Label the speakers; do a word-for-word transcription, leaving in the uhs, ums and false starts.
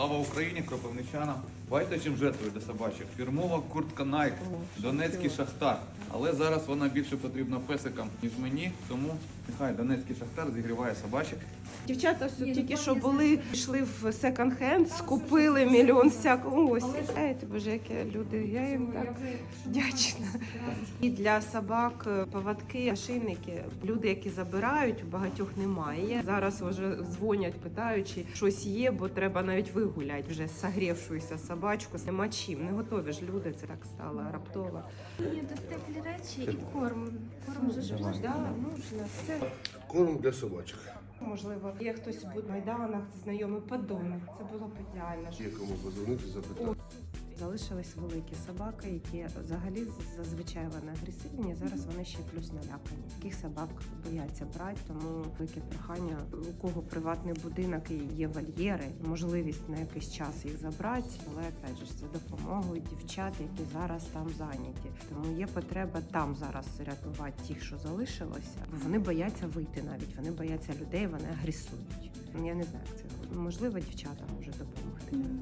Speaker 1: Слава Україні, кропивничанам. Бачите, чим жертвує для собачок? Фірмова куртка Nike, Донецький Шахтар. Але зараз вона більше потрібна песикам, ніж мені, тому нехай Донецький Шахтар зігріває собачок.
Speaker 2: Дівчата все тільки що були, йшли в секонд-хенд, скупили мільйон всякого. Ось, знаєте, боже, які люди, я їм так вдячна. І для собак поводки, ошейники, люди, які забирають, у багатьох немає. Зараз вже дзвонять, питають, чи щось є, бо треба навіть вигуляти вже согрівшуюся собачку. Нема чим, не готові ж люди, це так стало раптово.
Speaker 3: Ні, тут теплі речі і корм. Корм же ж можна.
Speaker 2: Да, можна, все.
Speaker 4: Корм для собачок.
Speaker 2: Можливо, є хтось буде в Майданах, знайомий подонок. Це було б ідеально.
Speaker 4: Є кому позвонити, запитати.
Speaker 2: Залишились великі собаки, які взагалі зазвичай вони агресивні. Зараз вони ще плюс налякані. Таких собак бояться брати, тому велике прохання, у кого приватний будинок і є вольєри, можливість на якийсь час їх забрати, але опять же за допомогою дівчат, які зараз там зайняті. Тому є потреба там зараз рятувати тих, що залишилося. Вони бояться вийти навіть, вони бояться людей, вони агресують. Я не знаю, як це можливо, дівчата можуть допомогти.